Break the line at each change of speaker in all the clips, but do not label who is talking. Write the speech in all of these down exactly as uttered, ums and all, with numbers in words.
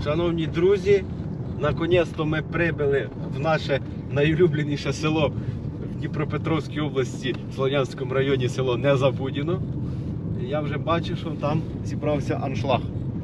Шановні друзі, наконець-то ми прибули в наше найулюбленіше село в Дніпропетровській області, в Слов'янському районі, село Незабудіно. Я вже бачу, що там зібрався аншлаг.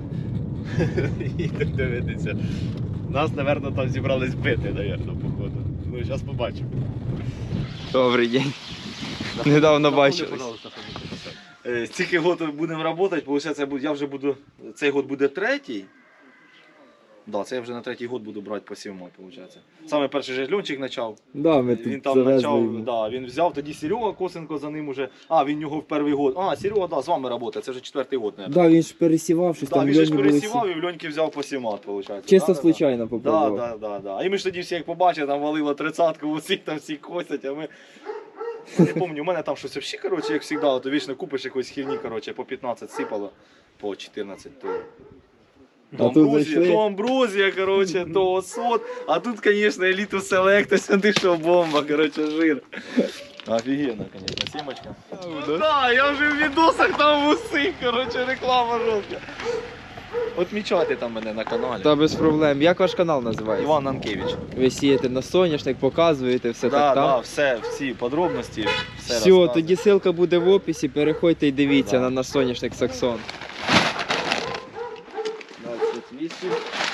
Їдемо дивитися. Нас, мабуть, там зібрались бити, мабуть, походу. Ну, зараз побачимо.
Добрий день. Недавно бачились.
Стільки років будемо працювати, виходить, я вже буду, цей год буде третій. Да, це я вже на третій год буду брати по сівмой, виходить. Саме перший же льончик почав.
Да, ми
Він
тут
там
завезли
почав,
йому.
да, він взяв, тоді Серега Косенко за ним уже. А, він його в перший год. А, Серега, да, з вами працює, це вже четвертий год, мабуть.
Да, він ж пересівав, щось
Да,
там
він же ж
льоні були всі.
пересівав і в льоньки взяв по сімат, виходить.
Чисто
да, да,
случайно
да.
попробував.
Да, да, да, да. І ми ж тоді всі як побачили, там валило тридцятку, усіх там всі косять, а ми... Не пам'ятаю, у мене там щось взагалі, коротше, як завжди, то вічно купиш якоїсь херні, коротше, по п'ятнадцять сипало, по чотирнадцять, то... То
А тут
амброзія,
зайшли.
то амброзія, коротше, то осот. А тут, звісно, еліту селекта, сюди що бомба, коротше, жир. Офігенно, звісно, сімочка. Так, да, я вже в відосах там усіх, коротше, реклама жовтка. Отмічайте там мене на каналі.
Та без проблем. Як ваш канал називається?
Іван Нанкевич.
Ви сієте на соняшник, показуєте все
Да,
так
да,
там?
все, всі подробності, все
Все,
розказую.
тоді ссылка буде в описі, переходьте і дивіться
Да.
на наш соняшник Саксон. двадцять вісім.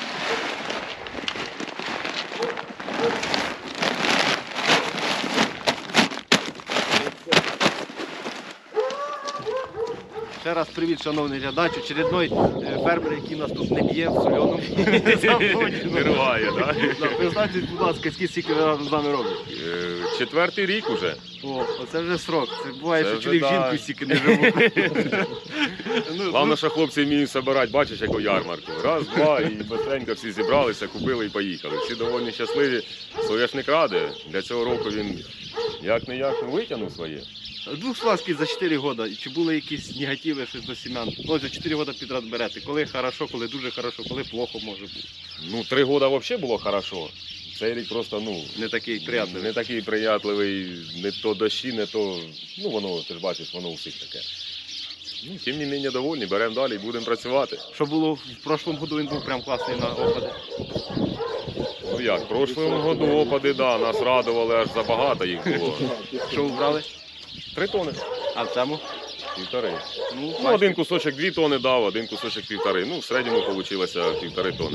Ще раз привіт, шановний глядач, очередной е, фермер, який нас тут не б'є в сольоному.
Не рває, так?
Признайтесь, будь ласка, скільки ви разом з нами робите?
Четвертий рік уже.
О, оце вже срок. Це буває,
Це
що
вже
чоловік
да.
жінку стільки не живуть. Ну,
Головне, що хлопці вміють збирати, бачиш, яку ярмарку. Раз, два, і быстренько всі зібралися, купили і поїхали. Всі доволі щасливі. Соняшник ради. Для цього року він як-не-як ну, витягнув своє.
Двох слов за чотири роки. Чи були якісь негативи щось до сім'ян? Ну, за чотири роки підряд берете. Коли хорошо, коли дуже хорошо, коли плохо може бути.
Ну, три роки взагалі було хорошо. Цей рік просто, ну,
Не такий приятний.
не такий приятливий, не то дощі, не то, ну, воно, ти ж бачиш, воно у всіх таке. Ну, тим не менше довольні, беремо далі і будемо працювати.
Що було в прошлому году, він був прям класний на опади.
Ну як, в прошлому году опади, да, нас радували, аж забагато їх було.
Що ви брали?
Три тони,
А в цьому?
півтори.
Ну,
Ну, один кусочок дві тони дав, один кусочок півтори. Ну, в середньому вийшло півтори тони.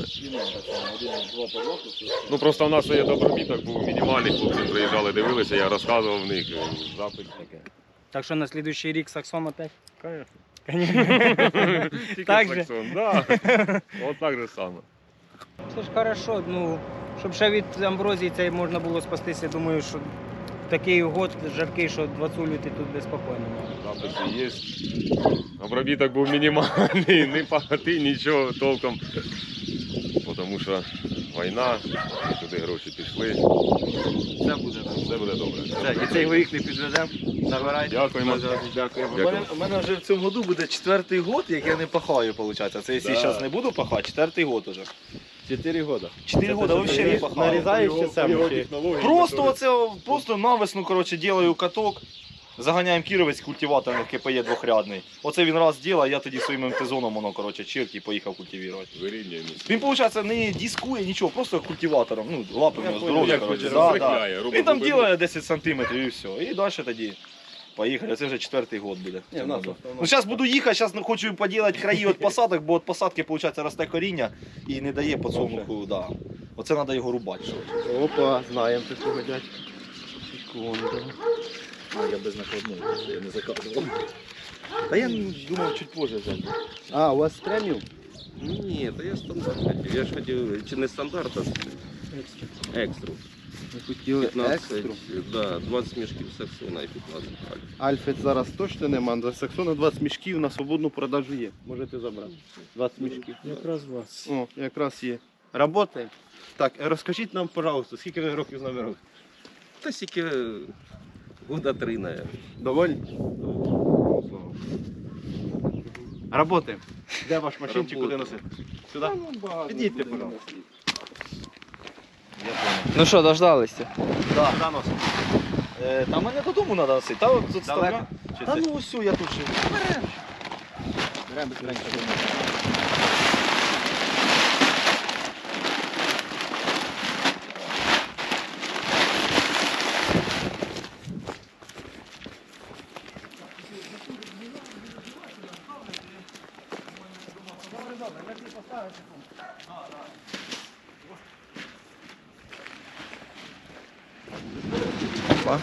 Ну, просто в нас є добробіток, був мінімальний, хлопці приїжджали, дивилися, я розказував в них, запит таке.
Так что на следующий рік Саксон опять?
Конечно. Тільки
Так же?
Саксон, да. От так же саме.
Це ж хорошо, ну, щоб ще від амброзії цей можна було спастися, думаю, що такий год жаркий, що двадцять ти тут безпокійно.
Записи є. Обробіток був мінімальний, не пахати, нічого толком. Тому що війна, туди гроші пішли.
Все буде.
Все буде добре.
Все, і цей горіх не підведемо. Забирайте.
Дякуємо.
Дякуємо.
У мене, у мене вже в цьому году буде четвертий год, як я не пахаю, виходить. Це якщо
Да.
зараз не буду пахати, четвертий год уже.
Чотири роки.
Чотири роки взагалі не пахаю.
Нарізаєш чи сам? чи-
Просто оце, просто навесну, коротше, делаю каток, заганяємо кіровець культиватором КПЄ двохрядний. Оце він раз ділає, я тоді своїм МТ-зоном, воно, коротше, чирк і поїхав культивувати.
Вирівнюємо.
Він, виходить, не дискує нічого, просто культиватором, ну, лапи в нього здорові,
Як
коротше.
хоче,
Да, да.
розрихляє, робить
Він там
глибину.
ділає десять сантиметрів і все. І далі тоді поїхали. Це вже четвертий год буде.
Ні, в нас основно-
Ну, зараз буду їхати, зараз хочу поділити краї від посадок, бо від посадки, виходить, росте коріння і не дає подсолнуху, да. Оце треба його рубати.
Опа, знаємо такого дядька. Секунду.
А, я без накладної, я не заказував. Та я думав чуть позже взяти.
А, у вас преміум?
Ні, то я стандарт хотів. Я ж хотів, чи не стандарт, а екстру.
Ви хотіли
п'ятнадцять,
екстру.
да, двадцять мішків Саксона і п'ятнадцять альфа.
Альфи зараз точно нема, до Саксона двадцять мішків на свободну продажу є. Можете забрати. двадцять мішків.
Якраз вас.
О, якраз є. Работаємо. Так, розкажіть нам, пожалуйста, скільки ви років з нами робите?
Та сіки года три, наверное.
Довольні? Работаємо. Де ваш машинчик, куди носити? Сюди? Підійдьте, пожалуйста.
Я понял.
Ну що, дождалися?
Да. Куди носити? Е, та мене додому треба носити. Та от тут
Далеко?
ставля.
Чи
Та
це?
ну ось я тут ще. Беремо.
Беремо быстренько.
Опа.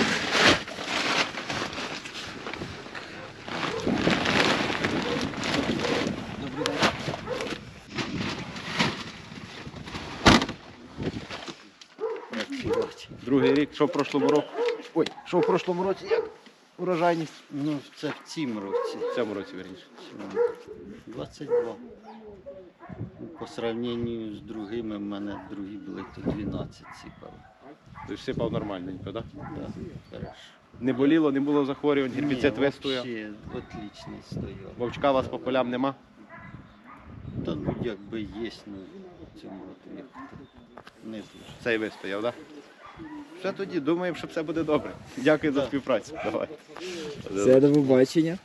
Другий рік, що в прошлому році? Ой, що в прошлому році як урожайність?
Ну, це в цім році.
В цьому році, верніше.
двадцять два. Ну, по сравненню з другими, в мене другі були то дванадцять сіпали.
Ти ж сипав нормальненько, так? Да?
Да, хорошо.
Не боліло, не було захворювань, гербіцид вистояв.
Вообще отлично стояв.
Вовчка у вас по полям нема?
Та ну якби є, ну в цьому році як не дуже.
Цей вистояв, так? Да? Все тоді, думаємо, що все буде добре. Дякую за співпрацю. Давай.
Все, до побачення.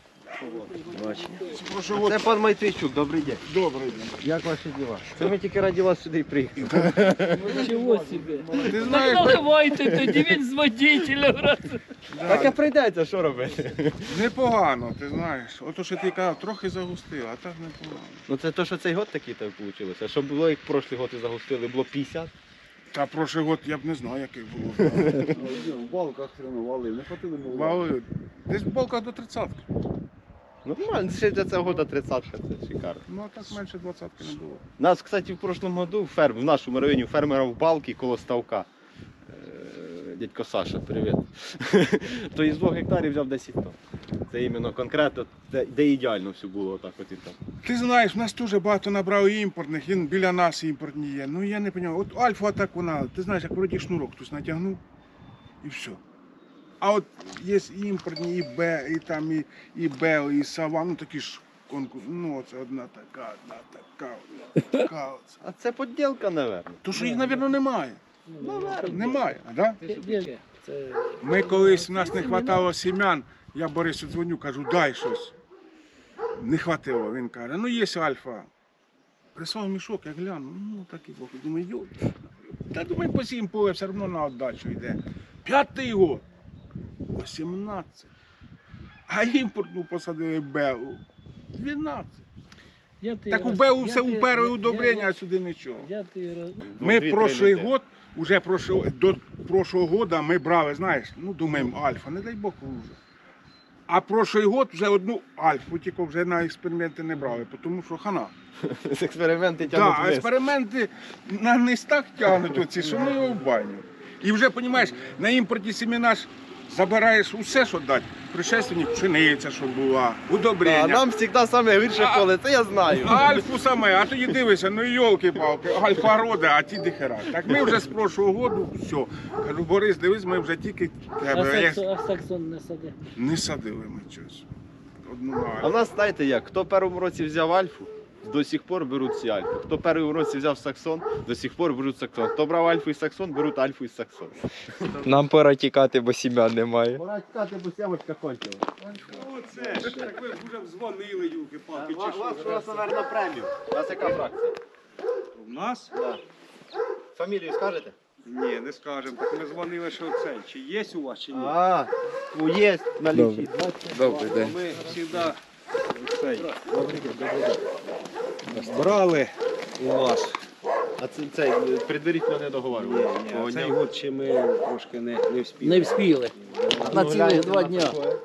Це пан Майтвійчук, добрий день.
Добрий день.
Як ваші діла? Це ми тільки раді вас сюди і приїхали.
Ничего себе.
Ти
Так
знаєш,
наливайте тоді, він з водителем. раз.
Так а прийдеться, що робити?
непогано, ти знаєш. Ото що ти казав, трохи загустила, а так непогано.
Ну це то, що цей год такий так вийшло. А що було, як прошлий год і загустили, було п'ятдесят.
Та прошлий год я б не знаю, яких було.
В балках тренували, не хватило мову.
Вали. Десь в балках до тридцятки.
Нормально, ще для цього года тридцятка, це шикарно.
Ну а так менше двадцятки не було.
Нас, кстати, в прошлому году ферм, в нашому районі фермера в балки коло ставка. Е, Дядько Саша, привіт. То із двох гектарів взяв десять тонн. Це іменно конкретно, де, де ідеально все було отак от і там.
Ти знаєш, в нас дуже багато набрали імпортних, і біля нас імпортні є. Ну я не розумію. От Альфа так вона, ти знаєш, як вроді шнурок хтось натягнув і все. А от є і імпортні, і Б, і там, і, і Б, і Сава, ну такі ж конкурс. Ну це одна така, одна така, одна така. Оце.
А це поділка, напевно.
То що їх, мабуть, немає. Немає, а да?
Це
Ми колись, в нас не вистачало сім'ян, я Борису дзвоню, кажу, дай щось. Не хватило. Він каже, ну є альфа. Прислав мішок, я гляну, ну такий бог. Думаю, йой. Та думаю, по сім поле все одно на віддачу йде. П'ятий год. вісімнадцять. А імпортну посадили Беу. дванадцять.
я ти
Так у
роз-
Беу
я
все
ти-
уперли
я-
удобрення,
я-
а сюди нічого.
Я ти роз-
Ми
дві-три
прошлий
неділі.
год, уже прошло, до прошлого года ми брали, знаєш, ну думаємо, альфа, не дай Бог уже. А прошлий год вже одну альфу, тільки вже на експерименти не брали, тому що хана.
З експерименти
Так,
тягнуть
да,
вниз.
експерименти на низ так тягнуть оці, що ми його в баню. І вже, розумієш, на імпорті семена ж забираєш усе, що дати. Пришественник, пшениця, що була, удобрення.
А нам завжди саме гірше
А-
поле, це я знаю.
А Альфу саме, а тоді дивишся, ну йолки-палки, альфа рода, а ті дихера. Так ми вже з прошлого року, все. Кажу, Борис, дивись, ми вже тільки
А
тебе. Я-
саксон, а саксон не сади.
Не садили ми щось. Одну на
А в
Альфу.
нас, знаєте як, хто в першому році взяв альфу, до сих пор беруть всі альфи. Хто в першому році взяв саксон, до сих пор беруть саксон. Хто брав альфу і саксон, беруть альфу і саксон.
Нам пора тікати, бо сім'ян немає.
Пора чекати, бо сямочка кончила.
Оце, так ви вже дзвонили, юлки-палки,
У вас, у вас, наверное, премію. У вас яка фракція?
У нас?
Да. Фамілію скажете?
Ні, не скажемо. Так ми дзвонили, що це. Чи є у вас, чи ні?
А, ну є на лічі.
Добрий день.
Ми завжди цей, брали у вас.
А це цей предварительно не договорювали.
Ні, цей год ще ми трошки не, не вспіли.
Не вспіли. На цілих два дня.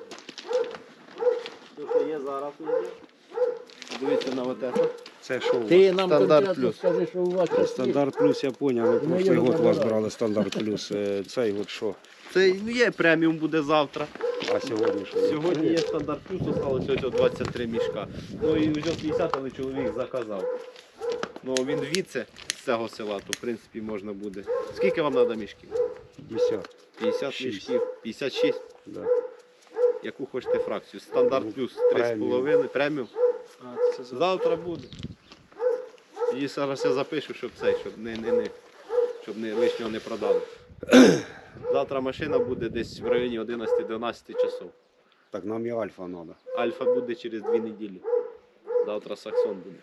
Що є зараз? Дивіться на вот це.
Це що у вас?
Ти нам
Стандарт
конкретно
плюс.
скажи, що у вас
Це стандарт плюс, я зрозумів. Ви прошлий
його
год у вас
забирали.
брали стандарт плюс. Е, Цей год що?
Це ну, є преміум буде завтра.
А сьогодні що?
Сьогодні є стандарт плюс, осталось ось двадцять три мішка. Ну і вже п'ятдесят, але чоловік заказав. Ну він звідси з цього села, то в принципі можна буде. Скільки вам треба мішків?
п'ятдесят.
п'ятдесят
Шість.
мішків. п'ятдесят шість.
Да.
Яку хочете фракцію? Стандарт плюс три з половиною, преміум. Завтра буде. І зараз я запишу, щоб цей, щоб не, не, не, щоб не лишнього не продали. Завтра машина буде десь в районі одинадцять-дванадцять часов.
Так нам і альфа треба.
Альфа буде через дві неділі. Завтра саксон буде.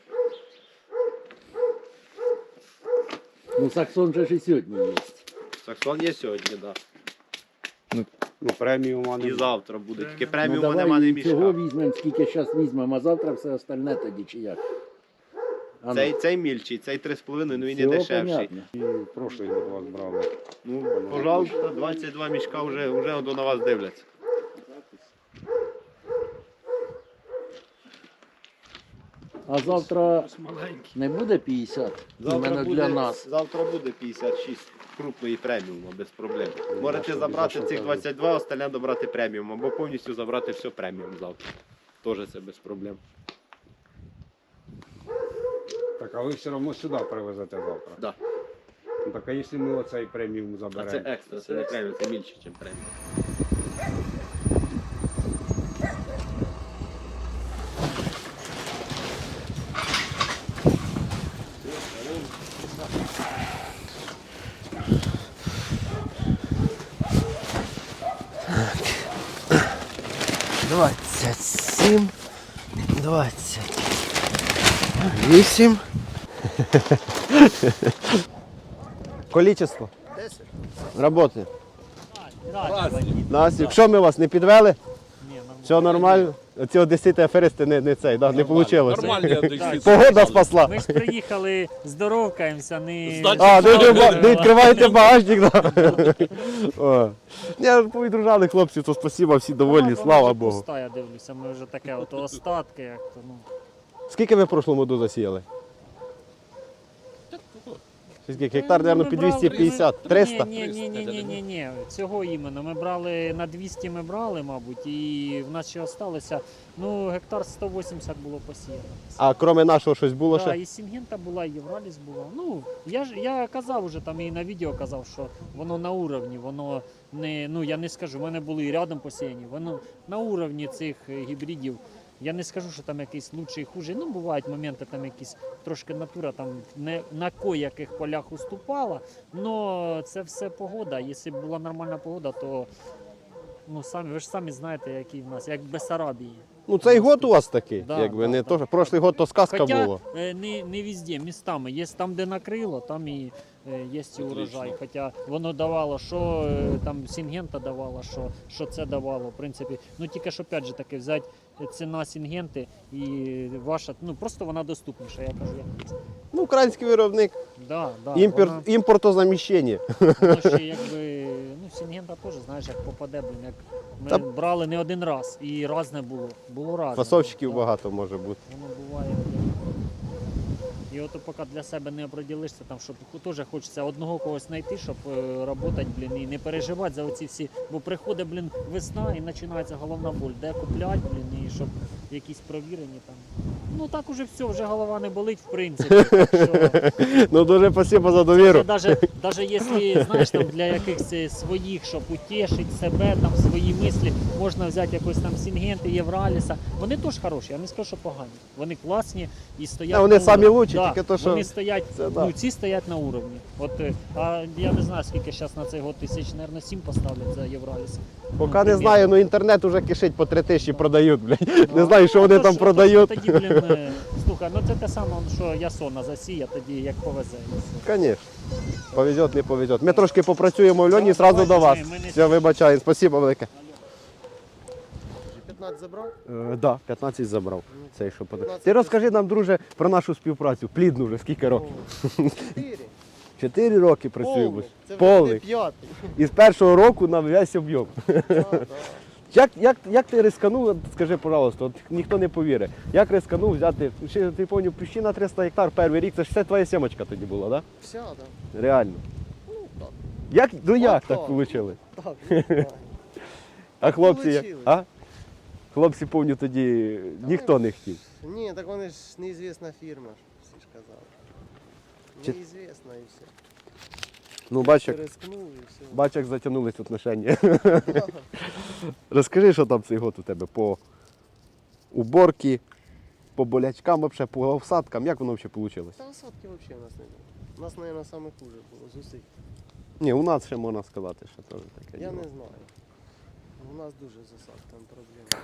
Ну, саксон же ж і сьогодні є.
Саксон є сьогодні, так.
Ну преміума
Да. І
не
завтра буде. Тільки
Ну,
преміуму
давай
нема не
і цього
мішка.
візьмемо, скільки зараз візьмемо, а завтра все остальне тоді чи як? А
Цей,
ну.
цей мільчий, цей три з половиною, ну він і
Всього
дешевший.
понятно.
І в прошлий год вас брали.
Ну, пожалуйста, двадцять два мішка вже, вже до на вас дивляться.
А завтра не буде п'ятдесят? Іменно для нас.
завтра буде п'ятдесят шість крупної преміуму, без проблем. Можете забрати цих двадцять два, остальне добрати преміум, або повністю забрати все преміум завтра. Теж це без проблем.
Так, а ви все одно сюди привезете завтра?
Да.
Ну, так, а якщо ми оцей преміум
А
заберемо?
це екстра, це не преміум, це більше, ніж преміум. двадцять сім, двадцять вісім. Количество. десять. Роботи. Нас, якщо ми вас не підвели, все нормально. Ці одесити аферисти не, не цей, да, не вийшло. Погода спасла.
Ми ж приїхали, здоровкаємося, не...
А, не, відкрива- не відкриваєте багажник, да. О. Ні, повідружали хлопці, то спасибо, всі довольні, слава Богу.
Пуста, я дивлюся, ми вже таке, от остатки, як то, ну.
Скільки ви в прошлому году засіяли? Скільки? Гектар, мабуть, під двісті п'ятдесят, триста?
Ні, ні, ні, ні, ні, ні, цього іменно. Ми брали, на двісті ми брали, мабуть, і в нас ще залишилося, ну, гектар сто вісімдесят було посіяно.
А крім нашого щось було
Так,
ще?
і Сінгента була, і Євраліс була. Ну, я ж я казав уже там і на відео казав, що воно на уровні, воно не, ну я не скажу, в мене були і рядом посіяні, воно на уровні цих е, гібридів. Я не скажу, що там якийсь лучший, хуже. Ну, бувають моменти, там якісь трошки натура там не на кояких полях уступала. Но це все погода. Якщо б була нормальна погода, то ну самі ви ж самі знаєте, який в нас, як в Бессарабії.
Ну цей год у вас такий,
Да,
якби
да,
не
да.
то, що прошлий год то сказка
Хоча
була.
е, не, не везде, містами. Є там, де накрило, там і е, є і урожай. Хоча воно давало, що е, там Сінгента давало, що, що це давало, в принципі. Ну тільки ж опять же таки взяти ціна Сінгенти і ваша, ну просто вона доступніша, я кажу, як це.
Ну, український виробник,
Да, да,
імпорт,
вона,
імпортозаміщення.
воно ще якби, ну Сінгента теж, знаєш, як попаде, блін, як ми
Та-
брали не один раз, і раз не було, було раз.
Фасовщиків багато може бути.
Воно буває. І от поки для себе не оприділишся, там, щоб теж хочеться одного когось знайти, щоб працювати, блін, і не переживати за оці всі. Бо приходить, блін, весна і починається головна боль. Де купляти, блін, і щоб якісь провірені там. Ну так уже все, вже голова не болить, в принципі. Так що...
Ну дуже спасибо за довіру.
Даже, даже якщо, знаєш, там для якихось своїх, щоб утішити себе, там свої мислі, можна взяти якось там Сінгенти, Євраліса. Вони теж хороші, я не скажу, що погані. Вони класні і стоять.
А вони
на
самі
уровні.
лучші,
Да,
тільки то, що
вони стоять,
це, да.
ну ці стоять на уровні. От, е, а я не знаю, скільки зараз на цей год тисяч, мабуть, сім поставлять за Євраліс.
Поки не знаю, ну інтернет уже кишить по три тисячі продають, блядь. Не
А,
знаю, що
ну,
вони
то
там
що,
продають.
то- Тоді, блін, е, слухай, ну це те саме, що Ясона засіє, тоді як повезе.
Звісно. Повезет, не повезет. Ми трошки попрацюємо в льоні, зразу до вас.
Ми- ми не-
Все, вибачаю, спасибо велике.
п'ятнадцять забрав?
Так, да, п'ятнадцять забрав. Цей, що подав. Ти розкажи нам, друже, про нашу співпрацю. Плідну вже, скільки років?
Чотири.
Чотири роки працюємо.
Повний. Це вже
Повний.
буде п'ятий.
І з першого року на весь об'єм.
Да, да.
Як, як, як ти рисканув, от скажи, пожалуйста, от ніхто не повірить, як рисканув взяти, ще, ти пам'ятаю, пущі на триста гектар перший рік, це ж все твоя сімочка тоді була, так?
Вся, да.
Да? Реально.
Ну, так.
Як, ну як
так.
так вийшло?
Так, ну, так.
А хлопці, як?
Получилось.
А? Хлопці, пам'ятаю, тоді ніхто не хотів.
Ні, так вони ж неізвісна фірма, ж, всі ж казали.
Чи-
Неізвісна і все.
Ну, бач, як,
Рискнув і все.
бач, як затягнулись отношення. Розкажи, що там цей год у тебе по уборці, по болячкам, вообще, по всадкам, як воно взагалі вийшло?
Та осадки взагалі у нас не було. У нас, мабуть, саме хуже було з усіх.
Ні, у нас ще можна сказати, що теж таке.
Я
діло.
не знаю. У нас дуже з осадками проблеми.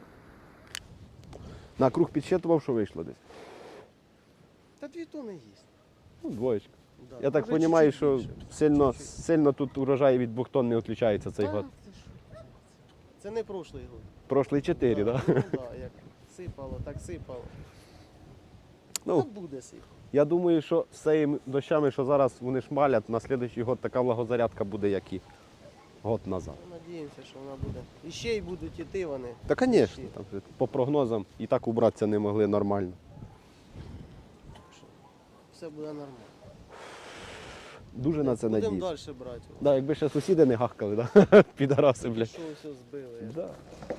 На круг підсчитував, що вийшло десь?
Та дві тони їсть.
Ну, двоєчка.
Да.
Я так
Може,
розумію,
чуть-чуть
що
більше.
сильно,
Чуть-чуть.
сильно тут урожай від двох тонн не відключається цей
Та,
год.
ти що? Це не прошлий год.
Прошлий чотири, так?
Ну, да, як сипало, так сипало.
Ну,
буде сих.
я думаю, що з цими дощами, що зараз вони шмалять, на наступний год така влагозарядка буде, як і год назад.
Надіємося, що вона буде. І ще й будуть іти вони.
Та, звісно, там же по прогнозам і так убратися не могли нормально.
Все буде нормально.
Дуже на це
Будемо
надіюсь.
далі брати.
Да, якби ще сусіди не гахкали, да? Підараси, блядь.
Що все збили.
Да.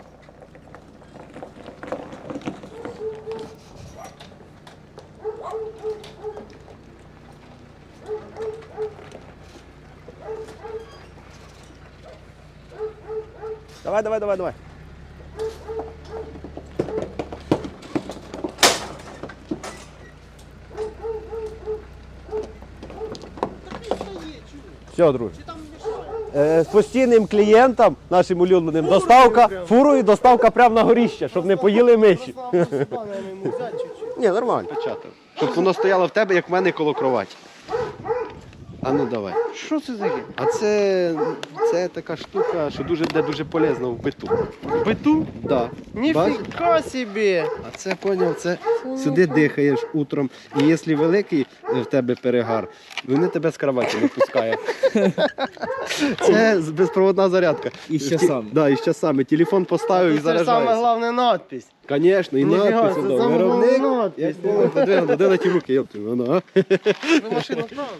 Давай, давай, давай, давай. Все, друже. Е, з постійним клієнтам, нашим улюбленим, доставка фурою, доставка прямо на горіще, щоб не поїли миші. Ні, нормально. Печатав. Щоб воно стояло в тебе, як в мене коло кроваті. А ну давай. Що це таке? А це, це така штука, що дуже, де дуже полезна в биту.
В биту?
Да.
Ніфіга собі!
А це, поняв, це сюди дихаєш утром, і якщо великий в тебе перегар, вони тебе з кроваті не пускають. Це безпроводна зарядка.
І з часами.
Да, і з часами. Телефон поставив і
Це саме
заряджається.
головне надпись.
Звісно, і
Ніфіга,
надпис.
це
да,
саме
Виробник,
головне надпис.
як було подвигнуто, де на ті руки, йопти, воно, а?
Ви машину вправили?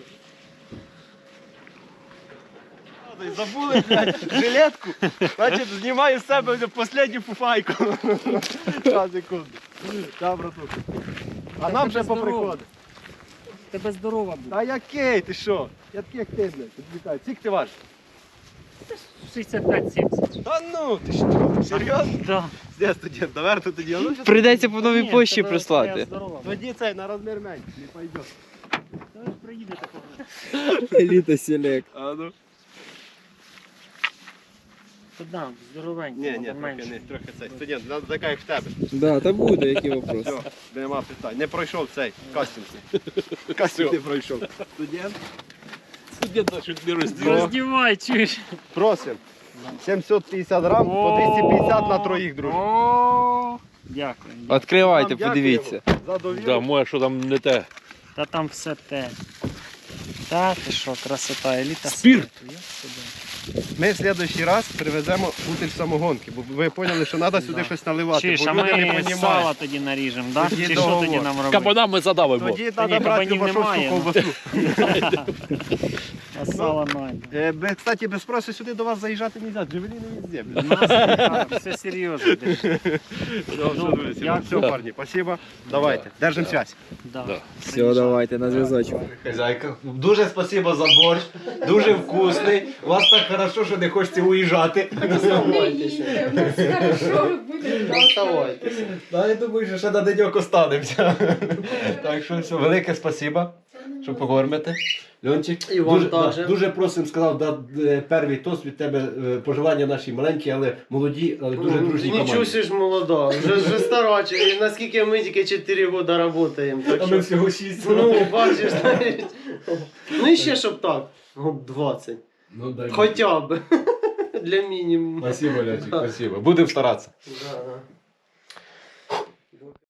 Забули, блядь, жилетку, значить, знімаю з себе останню фуфайку. Зараз, секунду. Да, братуха. А нам вже поприходить.
Тебе здорова буде.
А який, ти що? Я такий, як ти, блядь, підвікаю. Скільки ти важиш?
шістдесят п'ять сімдесят.
Та ну, ти що, серйозно?
Да.
Де студент, наверху тоді. А ну, щас-
Прийдеться по новій
Ні,
пошті
тебе-
прислати.
твоя здорова буде.
Тоді цей на розмір менше, не пойде.
Та ви ж приїдете поки.
Еліта Селект.
А ну.
Та да, здоровенько,
Ні, ні,
буде
трохи
менше.
не, трохи цей. Студент, надо така, як в тебе.
Да, та буде, які вопроси.
Все, нема питань. Не пройшов цей кастинг. Кастинг не пройшов. Студент.
Студент наш не
Роздівай, чуєш?
Просим. сімсот п'ятдесят грам по двісті п'ятдесят на троїх, друже.
О, Дякую.
Відкривайте,
Вам
подивіться.
дякуємо за довіру.
Да, моє, що там не те.
Та там все те. Та ти що, красота, еліта.
Спірт.
світу, я собі.
Ми в наступний раз привеземо бутиль самогонки, бо ви поняли, що треба сюди
Да.
щось наливати,
Чуєш,
бо
а
люди не
ми
розуміють.
сало тоді наріжемо, да?
Тоді
Чи що
договор.
тоді нам робити?
Кабанами задавимо.
Тоді
Та ні,
треба брати
кабанів
Любашовську
немає, ну.
ковбасу.
А сало найде.
Е, бе- Кстати, без спросу сюди до вас заїжджати не можна, джевеліни везде.
У нас так, все серйозно. держи. Добре,
Все,
дякую.
парні, спасибо. Давайте, держимо связь.
Да.
Все, давайте, на зв'язочок.
Хазяйка, дуже спасибо за борщ, дуже вкусний. У вас так хорошо, що не хочеться уїжджати.
Оставайтеся.
Да, я думаю, що ще на деньок останемося. Так що все, велике спасибо, що покормите. Льончик,
І вам
дуже,
також.
да, дуже просим, сказав, да, е, перший тост від тебе, е, пожелання наші маленькі, але молоді, але дуже дружні
Нічого
команді.
си ж молода, вже, вже старачі. І наскільки ми тільки чотири роки працюємо. Так
А ми
що,
всього шість.
ну, бачиш, навіть. Ну і ще щоб так. Ну, двадцять.
Ну, дай
Хоча б. Для мінімуму.
Спасибо, Льончик, спасибо. Будемо старатися.
Да, да.